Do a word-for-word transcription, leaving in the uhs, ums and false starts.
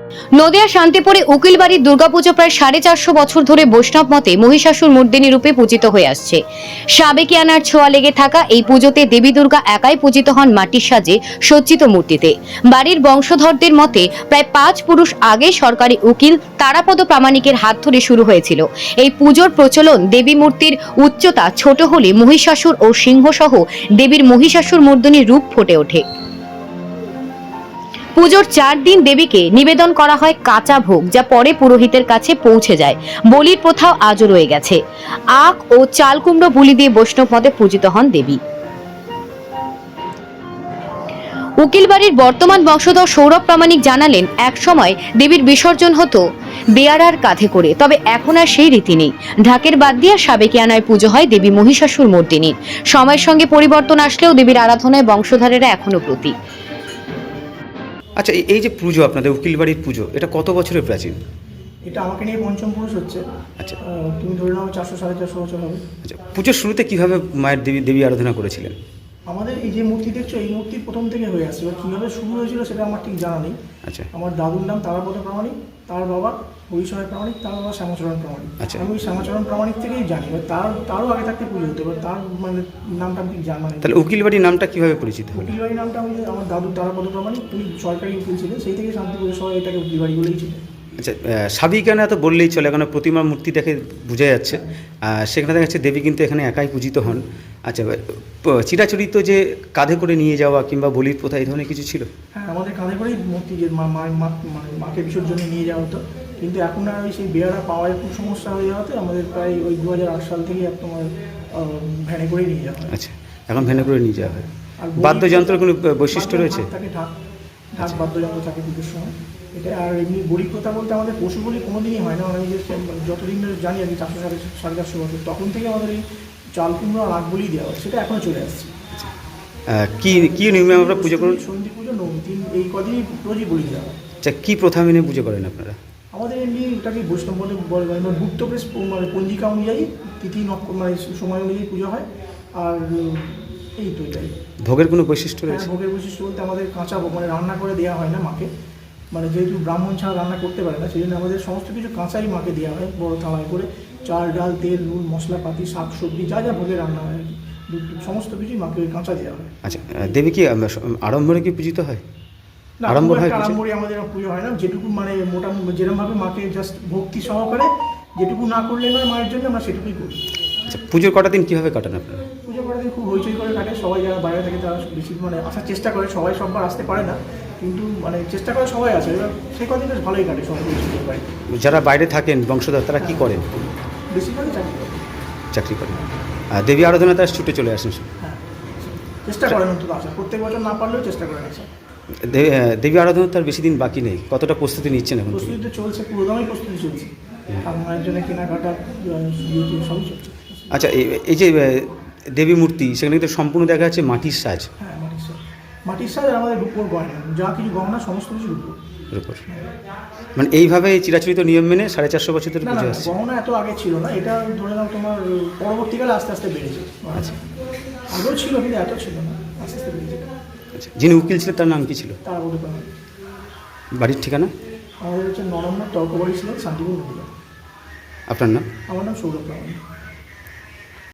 নদিয়া শান্তিপুরে উকিলবাড়ির দুর্গাপুজো প্রায় সাড়ে চারশো বছর ধরে বৈষ্ণব মতে মহিষাসুর মর্দিনী রূপে পূজিত হয়ে আসছে। সাবেকিয়ানার ছোঁয়া লেগে থাকা এই পুজোতে দেবী দুর্গা একাই পূজিত হন মাটির সাজে সজ্জিত মূর্তিতে। বাড়ির বংশধরদের মতে প্রায় পাঁচ পুরুষ আগে সরকারি উকিল তারাপদ প্রামাণিকের হাত ধরে শুরু হয়েছিল এই পুজোর প্রচলন। দেবী মূর্তির উচ্চতা ছোট হলে মহিষাসুর ও সিংহ সহ দেবীর মহিষাসুর মর্দিনীর রূপ ফুটে ওঠে। পুজোর চার দিন দেবীকে নিবেদন করা হয় কাঁচা ভোগ, যা পরে পুরোহিতের কাছে পৌঁছে যায়। বলির প্রথাও আজও রয়ে গেছে। আখ ও চাল কুমড়ো বলি দিয়ে বৈষ্ণব মতে পূজিত হন দেবী। উকিলবাড়ির বর্তমান বংশধর সৌরভ প্রামাণিক জানালেন, এক সময় দেবীর বিসর্জন হতো বেয়ারার কাঁধে করে, তবে এখন আর সেই রীতি নেই। ঢাকের বাদ দিয়ে সাবেকিয়ানায় পুজো হয় দেবী মহিষাসুর মর্দিনীর। সময়ের সঙ্গে পরিবর্তন আসলেও দেবীর আরাধনায় বংশধরেরা এখনো প্রতি। আচ্ছা, এই যে পুজো আপনাদের উকিলবাড়ির পুজো, এটা কত বছরের প্রাচীন? এটা আমাকে নিয়ে পঞ্চম পুরুষ হচ্ছে। আচ্ছা, তুমি ধরে নাও চারশো সাড়ে চারশো বছর হবে। আচ্ছা, পুজোর শুরুতে কিভাবে মায়ের দেবী দেবী আরাধনা করেছিলেন? আমাদের এই যে মূর্তি দেখছো, এই মূর্তি প্রথম থেকে হয়ে আসছে। এবার কীভাবে শুরু হয়েছিল সেটা আমার ঠিক জানা নেই। আচ্ছা, আমার দাদুর নাম তারাপদ প্রামাণিক, তার বাবা হরিশয় প্রামাণিক, তার বাবা শ্যামাচরণ প্রামাণিক। আচ্ছা, আমি ওই শ্যামাচরণ প্রামাণিক থেকেই জানি। এবার তার তারও আগে থাকতে পুজো হতো, এবার তার মানে নামটা আমি ঠিক জানা নেই। তাহলে উকিলবাড়ির নামটা কিভাবে পরিচিত হলো? উকিলবাড়ির নামটা আমি আমার দাদুর তারাপদ প্রামাণিক, উনি সরকারি উকিল ছিলেন, সেই থেকে শান্তিপুরের সবাই এটাকে উকিলবাড়ি বলেই ছিল। আচ্ছা, সাবিকানা তো বললেই চলে, কারণ প্রতিমার মূর্তি দেখে বোঝা যাচ্ছে। সেখানে দেখা যাচ্ছে দেবী কিন্তু এখানে একাই পূজিত হন। আচ্ছা, চিরাচরিত যে কাঁধে করে নিয়ে যাওয়া কিংবা বলির প্রথা এই ধরনের কিছু ছিল? হ্যাঁ, আমাদের কাঁধে করেই মূর্তি যে মা মানে মাকে বিসর্জনে নিয়ে যাওয়া হতো, কিন্তু এখন আর ওই সেই বেয়ারা পাওয়ার খুব সমস্যা হয়ে যাওয়াতে আমাদের প্রায় ওই দু হাজার আট সাল থেকে তোমার ভ্যানে করে নিয়ে যাওয়া হয়। আচ্ছা, এখন ভ্যানে করে নিয়ে যাওয়া হয়। আর বাদ্যযন্ত্রের কোনো বৈশিষ্ট্য রয়েছে? থাকে ঢাক, ঢাক বাদ্যযন্ত্র থাকে পুজোর সময়। এটা আর এমনি বলি প্রথা বলতে আমাদের পশু বলি কোনো দিনই হয় না। আমি যে যতদিন ধরে জানি আর কি, চারশো সাড়ে সাড়ে চারশো বছর, তখন থেকে আমাদের এই চাল কুমড়ো আর আখ বলি দেওয়া হয়, সেটা এখনও চলে আসছে। কি কি নিয়মে আমরা পুজো করুন? সন্ধি পুজো, তিন এই কদিনই রোজই বলি দেওয়া হয়। আচ্ছা, কী প্রথা মেনে পুজো করেন আপনারা? আমাদের এমনি এটাকে বৈষ্ণব বলে বলে মানে গুপ্ত প্রেস মানে পঞ্জিকা অনুযায়ী তিথি নক্ষ মানে সময় অনুযায়ী পুজো হয়। আর এই তো এটাই। ভোগের কোনো বৈশিষ্ট্য হ্যাঁ, রয়েছে? ভোগের বৈশিষ্ট্য বলতে আমাদের কাঁচা ভোগ মানে রান্না করে দেওয়া হয় না মাকে, মানে যেহেতু ব্রাহ্মণ ছাড়া রান্না করতে পারে না, সেই জন্য আমাদের সমস্ত কিছু কাঁচাই মাকে দেওয়া হয় বড় থালায় করে। চাল ডাল তেল নুন মশলাপাতি শাক সবজি যা যা ভোগে রান্না হয় আর কি, সমস্ত কিছুই মাকে ওই কাঁচা দেওয়া হয়। আচ্ছা, দেবী কি আড়ম্বরে কি পূজিত হয়? না, আড়ম্বর হয়? আড়ম্বরে আমাদের পুজো হয় না। যেটুকু মানে মোটামুটি যেরকমভাবে মাকে জাস্ট ভক্তি সহকারে যেটুকু না করলে নয় মায়ের জন্য, আমরা সেটুকুই করি। আচ্ছা, পুজোর কটা দিন কীভাবে কাটান আপনারা? পুজো করার দিন খুব হইচই করে কাটে। সবাই যারা বাইরে থাকে তারা বেশি মানে আসার চেষ্টা করে। সবাই সববার আসতে পারে না, কিন্তু মানে চেষ্টা করে সবাই আসে। এবার সেই কদিন বেশ ভালোই কাটে সবাই বাইরে। যারা বাইরে থাকেন বংশধর, তারা কি করেন? বেশিরভাগই চাকরি করে। চাকরি করেন। আর দেবী আরাধনা তারা ছুটে চলে আসেন? হ্যাঁ, চেষ্টা করেন অন্তত আসা। প্রত্যেক বছর না পারলেও চেষ্টা করেন আসা। দেবী আরাধনা তার বেশি দিন বাকি নেই, কতটা প্রস্তুতি নিচ্ছেন এখন? প্রস্তুতি তো চলছে, পুরোদমই প্রস্তুতি চলছে। আর মায়ের জন্য কেনাকাটা সবই চলছে। আচ্ছা, এই যে দেবী মূর্তি, সেখানে কিন্তু সম্পূর্ণ দেখা যাচ্ছে মাটির সাজ। হ্যাঁ, মাটির সাজ। মাটির সাজ আর আমাদের রূপোর গয়না, যা কিছু গহনা সমস্ত কিছু রূপোর। রূপোর মানে এইভাবে চিরাচরিত নিয়ম মেনে সাড়ে চারশো বছর ধরে পুজো আসছে। গহনা এত আগে ছিল না, এটা ধরে নাও তোমার পরবর্তীকালে আস্তে আস্তে বেড়েছে। আচ্ছা, আগেও ছিল কিন্তু এত ছিল না, আস্তে আস্তে বেড়েছে। আচ্ছা, যিনি উকিল ছিলেন তার নাম কি ছিল? তার বলতে পারেন। বাড়ির ঠিকানা? আমাদের হচ্ছে নরম্বর তর্কবাড়ি ছিলেন, শান্তিপুর নদীয়া। আপনার নাম? আমার নাম সৌরভ প্রামাণিক।